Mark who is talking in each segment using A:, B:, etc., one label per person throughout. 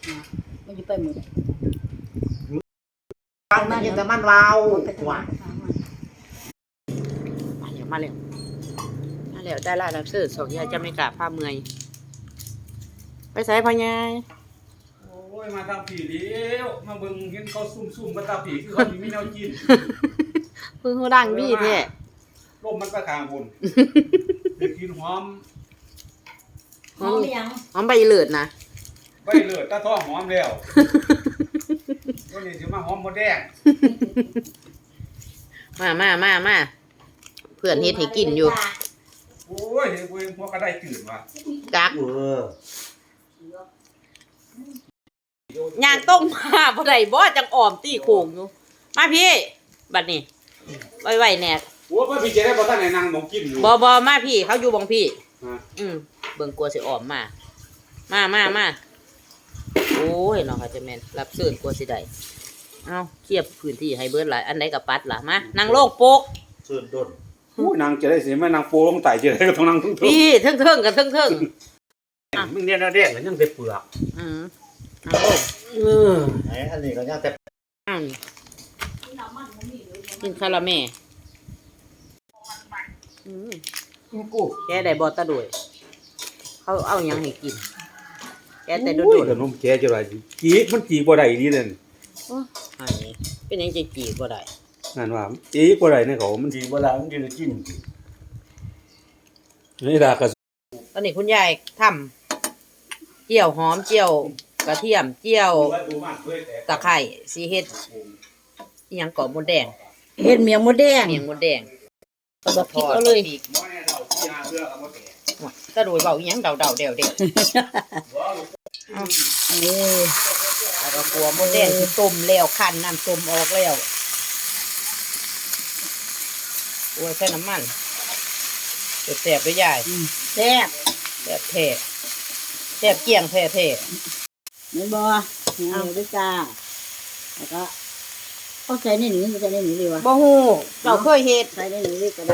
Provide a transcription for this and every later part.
A: มันจะไปหมด
B: มันยังแต่มันวาวหวานมาเร็วได้ละรับซื้อสองยายจะไม่กล้าผ้าเมื่อยไปใส่พญาย
C: โอ้ยมาทำผีเลี้ยวมาเบิ่งเห็นเขาซุ่มๆมาตาผีคือเขามีแนวกิน
B: เพิ่งเขาดังบี้แท้
C: ลมมันประคางบุญไปกินหอม
B: ใบเลือดนะ
C: ใบเลือดตาท้องหอมแล้ววันนี้จะมาหอมหมดแดง
B: มาเพื่อนเฮ็ดให้กินอยู่
C: โอ้ยเห็นกูเองพวกก็ได้จืดว่ะ
B: จักย่างต้มมาบ่ได้บ่จังอ่อมตี้โค้งอยู่มาพี่บัดนี้ไว้แน่
C: โอ้ยพี่จะได้บ่ทันได้นั่งมองกินอยู่
B: บ่มาพี่เขาอยู่บ่งพี่เบิ่งกลัวสิอ่อมมาโอ้ยน้องค่ะจะแม่นรับซื้อกลัวสิได้เอ้าเทียบพื้นที่ให้เบิดหลายอันใดก็ปัดล่ะมานั่งโลกโปก
C: ซื้อดนโอ้ยนางจะได้สิแม่นางโปลงไตจะได้ก็ต้องนั่งทึ่ง
B: พี่เทิงกันเทิง
C: มึงเนี่ยแดงก็ยังได้เปลือก
B: นั่งโลก
C: อันนี้ก็ยังแต่
B: กินคาราเมลกูแกได้บ่ตะด้วยเขาเอาหยังให้กินแกแต่โดด
C: ขนมแกจะไรจีกมันจีกบ่ได้นี่นั่น
B: อันนี้เป็นหยังจะจีกบ่ได้
C: นั่นว่าจีกบ่ได้ในเขามันจีกบ่ได้มันจะกินนี่ล่ะก็
B: ตอนนี้คุณยายทำเจียวหอมเจียวกระเทียมเจียวตะไคร้สีเฮ็ดอีหยังกรอบมดแดง
A: เฮ็ดเมียงมดแดง
B: ก็บ่ผิดก็เลยตะโดยเบาอีหยังเดาเดวแล้วก็กลัวมดแดงที่ต้มแล้วคั้นน้ำต้มออกแล้วโอ้ยใส่น้ำมันแซ่บด้วยยาย
A: แซ่บ
B: แซ่บเกี่ยงแท้
A: นี่บ่เอาด้วยจ้าแล้วก็เขาใส่ในนี้ใส่ในนี้ดีวะ
B: บ่ฮู้เราเคยเฮ็ด
A: ใส่ในนี้ก็ได้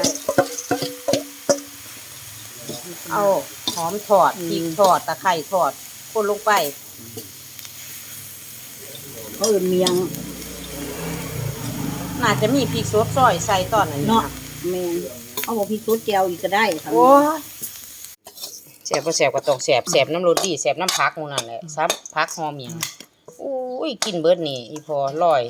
B: เอาหอมทอดพริกทอดตะไคร้ทอดคนลงไป
A: เขาเมียง
B: น่าจะมีพริกสดซอยใส่ตอนนั้น
A: เนาะแม่นเอาบ่พริกสดแจ่วอีกก็ได้
B: โอ้แซ่บบ่แซ่บก็ต้องแซ่บน้ำรสดีแซ่บน้ำผักหมู่นั่นแหละซับผักหอมหยังโอ้ยกินเบิดนี่อีพอร่อย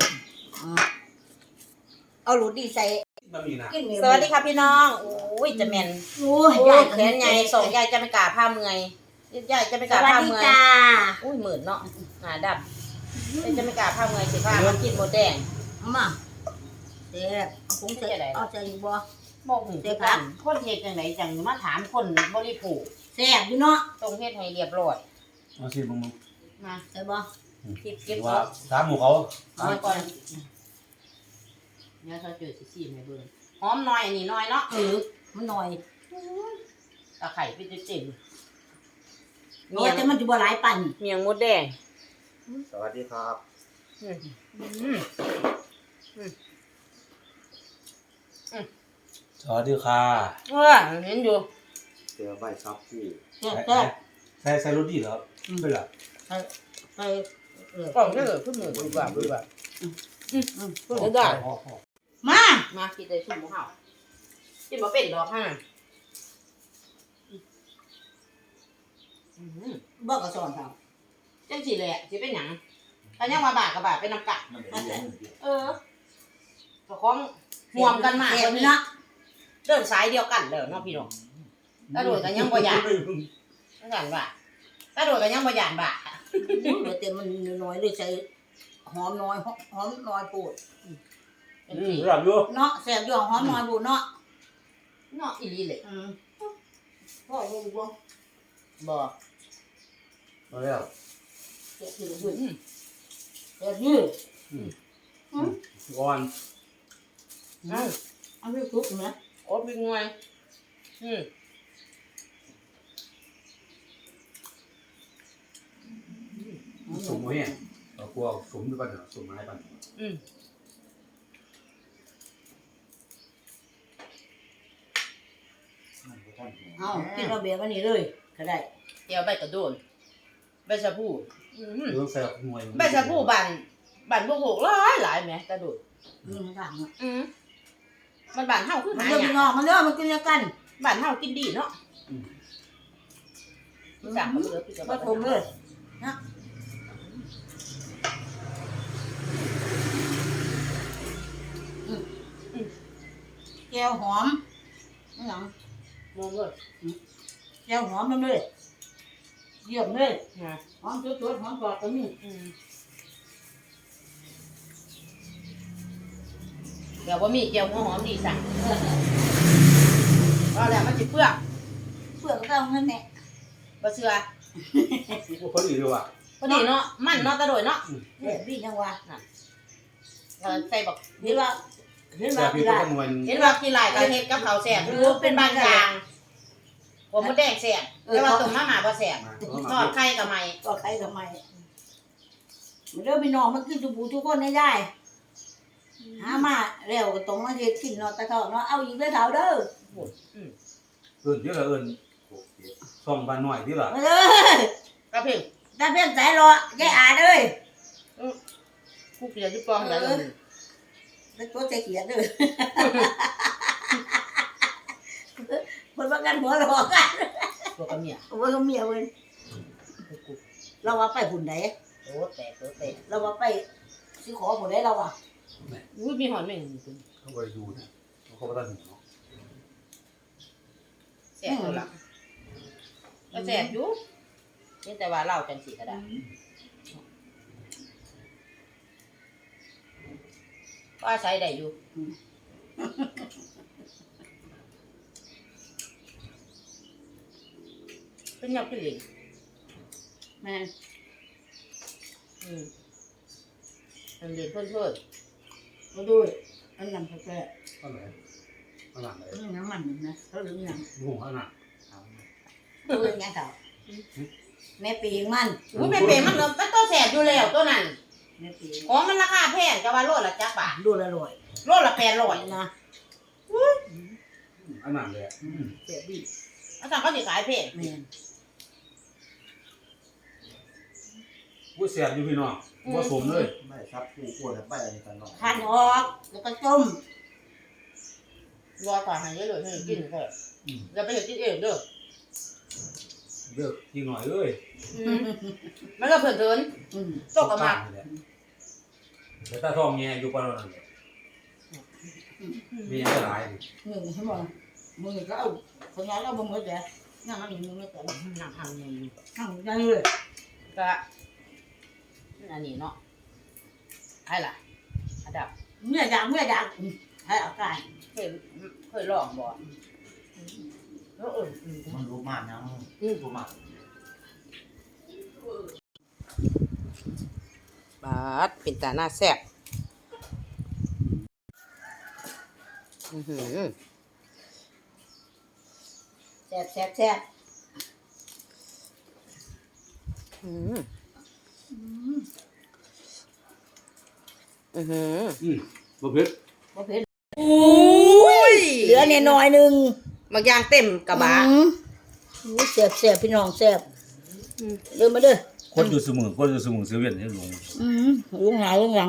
A: เอารสดีใส่
B: สวัสดีค่ะพี่น้องโอ้ยจะแม่น
A: โอ้ย
B: แขนใหญ่ส่งยายจะไม่กล้าผ้าเมื่อยยายจะไม่กล้าผ้าเมื่อยอุ้ยหมื่นเนาะหาดับจะไม่กล้าผ้าเมื่อยสิผ้ามากินหมดแดง
A: มาเด็กคงจะเอาใจบ่
B: บอกเด็กครับคนเฮ็ดจังไหนจังมาถามคนบริโภค
A: แซ่บอยู่เนาะ
B: ต้องเฮ็ดให้เรียบร้อย
C: เอาสิมึง
B: มา
A: ใช่บ่
B: เก็บ
C: ว่าถามหมู่เขา
B: เอาก่อนเนี่ยเขาเจอสิให้เบิ่งหอมหน่อยอันนี้น้อยเนาะ
A: มันหน่อย
B: ตะไคร้เป็นเจ็บ
A: เมียแต่มันอยู่บ่หลายปัน
B: เมียงมดแดง
C: สวัสดีครับสวัสดีค่ะ
B: เห็นอยู่
C: เจอใบซับที่
A: ใส่
C: รถดีเหรอไม่หรอ
A: ใส่
B: กล่องได้เลยขึ้นหนึ่งดูแบบได้มากินได้ชุ่มหัวเห่ากินมาเป็นดอกห่า
A: บอกกระสอนครับ
B: จังสิเลยสิเป็นหยังแต่ยังมาบาดกับบาดเป็นน้ำกัดก็คล้องห่วมกันมาคนนี้เดินสายเดียวกันเลยเนาะพี่น้องกระโดดกันยังบ่หยาดนั่นกันว่ากระโดดกันยังบ่หยาดบ่า
A: เต็มมันน้อยเลยใส่หอมน้อยปูด
C: แซ่บอยู่
A: เนาะแซ่บอยู่หอมน้อยปูดเนาะ
B: อีหลีเลย
A: พ่อรู้บ่
C: เอาแล้ว
A: เด็ดยืด
C: ก่อน
A: เอาไปซุปนะ
B: โอ้เป็นไง
C: สมมติเนี่ยเรากลัวสมด้วยกันเหรอสมไม้กัน
A: เอากินเราเบียร์กันนี่เลยก็ได้
B: เดี๋ยวใบกระโดนใบชะพู
C: ต้องแซ่บหน่วย
B: ใบชะพูบ้านพวกโหกหลายแหมตะดุด
A: มันต่างเนาะ
B: มันบ้านเฮาคือ
A: มัน
B: หา
A: เริ่ม
B: หยัง
A: งอกมันเริ่มมันกินกัน
B: บ้านเฮากินดีเนาะสั่งมาเลยพี่จะ
A: ผสมเลยนะแก้วหอมนี่หยัง
B: มองเลย
A: แก้วหอมมันเลยเยี่ยมเลย
B: นะ
A: หอมสดๆหอมกรอบก็มี
B: เดี๋ยวว่ามีเจียวหัวหอมดีสั่งก็แล้วมันสิเปลือก
A: เปลือกก็เอาเงินแน่
B: บ่เชื่อ
C: พอดีเลยว่ะ
B: พอดีเนาะมันเนาะตะโดยเนาะ
A: เนี่ยพี่จังหวะ
B: ใส่บัก
A: เห็นว่าเห็น
C: แซ่
A: ว่า
C: บพี่
A: พี่
C: ก็
A: ละ
C: หน่วย
B: เห็นว่ากินหลายก็เฮ็ดกับข้าวแซ่บหรือเป็นบางอย่างผมมดแดงแซ่บแต่ว่าต้มมาม่าบ่แซ่บทอดไข่ก็ไม่
A: ก็ใครทำไมมันเริ่มพี่น้องมันกินทุกผู้ทุกคนได้ได้หามาแล้วก็ต้องมาเฮ็ดกินเนาะตะเฒ่าเนาะเอาอีกเด้อเฒ่าเด้อ
C: เอิ้นที่ละเอิ้นส่องบ้านหน่อยที่ละ
A: เออ
B: ก็เพิ่ง
A: ตาเพี้ยนสายรอยายอาเด้อ
B: ผู้เปลี่ยนที่ปองแล้ว
A: แล้วตัวใจเขียนเด้อคนว่ากันหัวเราะกัน
B: ตัวกับเมีย
A: ว่าเขาเมียเว้ยเราว่าไปหุ่นไหน
B: โตแตก
A: เราว่าไปสิขอหุ่นไหนเราอ่ะ
B: อุ้ยมีหอนแม่งนี่
C: เขาบ่ได้ดูนะเขาบ่ได้หูเนาะ
B: แซ่บตัวละก็แซ่บอยู่นี่แต่ว่าเราจังสิก็ได้ก็ใช้ได้อยู่เป็นยับกินเหลง
A: แม่
B: มันเรียนเพื่อน
A: มาดูอันนั้นเขาแก่
C: อันไหนอันไหน
A: เรื่องน้ำมันนะเขาเรื่องยัง
C: หูอันไหน
A: เรื่องยังเฒ่าแม่ปีงมัน
B: ๆอุ้ยเป็นมันเนาะมันตัวแสบอยู่แล้วตัวนั้น
A: แม่ปี
B: ของมันราคาแพงจะว่าโลละจักบาท
A: ดูละร่อย
B: โลละ800
A: นะ
C: อันนั้นเลย
A: เจ็บดี
B: อาจารย์เขาสิขายแพง
A: แม่น
C: ผู้แซ่บอยู่พี่น้องบ่สมเลย
D: ไม่ครับผู้อ้วนไปอะไรกันหน่อย
A: หั่นออกแล้วก็ต้ม
B: รอก่อนให้เยอะเลยให้กินเถอะอย่าไปเฮ็ดกินเองเด้อ
C: เลิกกินหน่อยเอ้ย
B: มันก็เพิ่นเถิน
A: อืม
B: ตกกับมา
C: แต่ถ้าท้องแงอยู่ปานนั้นเลยมีอะไรหลาย
A: หนึ่งให้บอกมึงก็เอาคนนั้นเราบ่หมดแล้วนั่งอันนี้มึงไม่แต่
B: นั่งทำอยู่
A: นั่งได้เลย
B: ก็อันนี้เนาะไอ้ล่ะอันดับ
A: เมื่ออยากให้เอาการ
B: เคยลองบ่แล้ว
D: มันรู้มากนะรู้มาก
B: บาดเป็นตาหน้าแซ่บ
A: แซ่บแซ่บแซ่บ
C: บ่เผ็ด
A: บ่เผ็ด
B: อุ้ย
A: เหลือเนี่ยน้อยหนึง
B: บางอย่างเต็มกระบะ
A: แซ่บแซ่บพี่น้องแซ่บเดินมาเด้อ
C: คนอยู่เสมอคนอยู่เสมอเซเว่นให้ลง
A: ลุงหาลุงหลัง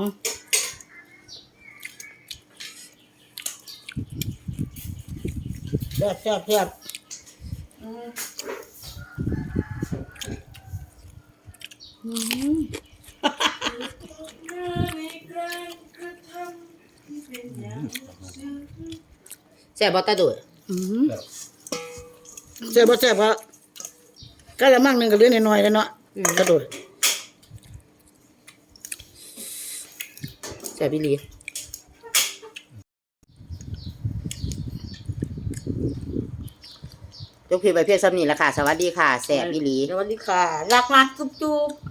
A: แซ่บแซ่บแซ่บ
B: แซ่บบ่ตาดุย
A: แซ่บบ่แซ่บก็ละมั่งหนึงก็เหลือน้อยๆแล้วเนาะกระโดด
B: แซ่บอีหลียกเพลงไปเพียงซ้ำนี้ละค่ะ สวัสดีค่ะ แซ่บอีหลี
A: สวัสดีค่ะรักมากจุ๊บ